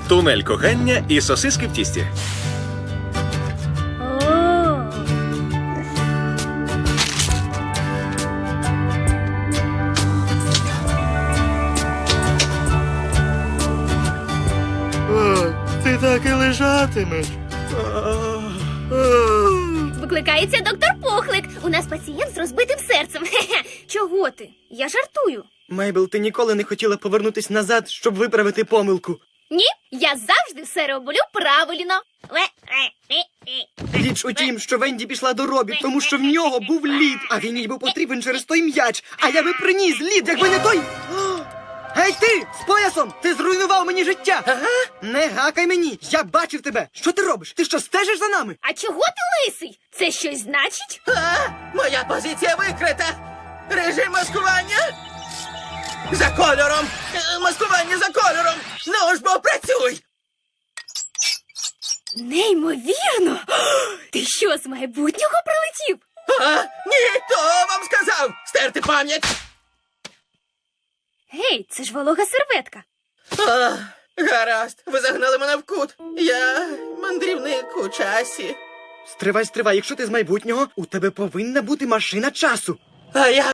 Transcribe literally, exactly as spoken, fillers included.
Тунель кохання і сосиски в тісті. О, О, ти так і лежатимеш. викликається доктор Пухлик. У нас пацієнт з розбитим серцем. Хе-хе. Чого ти? Я жартую. Мейбл, ти ніколи не хотіла повернутись назад, щоб виправити помилку. Ні, я завжди все роблю правильно. Річ у тім, що Венді пішла до Робі, тому що в нього був лід, а він їй був потрібен через той м'яч. А я би приніс лід, якби не той. О! Гей ти, з поясом! Ти зруйнував мені життя! Ага? Не гакай мені! Я бачив тебе! Що ти робиш? Ти що, стежиш за нами? А чого ти лисий? Це щось значить? А, моя позиція викрита. Режим маскування. За кольором. Е, Маскування за кольором. Ну ж бо працюй. Неймовірно! Ти що, з майбутнього прилетів? А, ні, хто вам сказав? Стерти пам'ять. Гей, це ж волога серветка. А, гаразд, ви загнали мене в кут. Я мандрівник у часі. Стривай, стривай, якщо ти з майбутнього, у тебе повинна бути машина часу. А я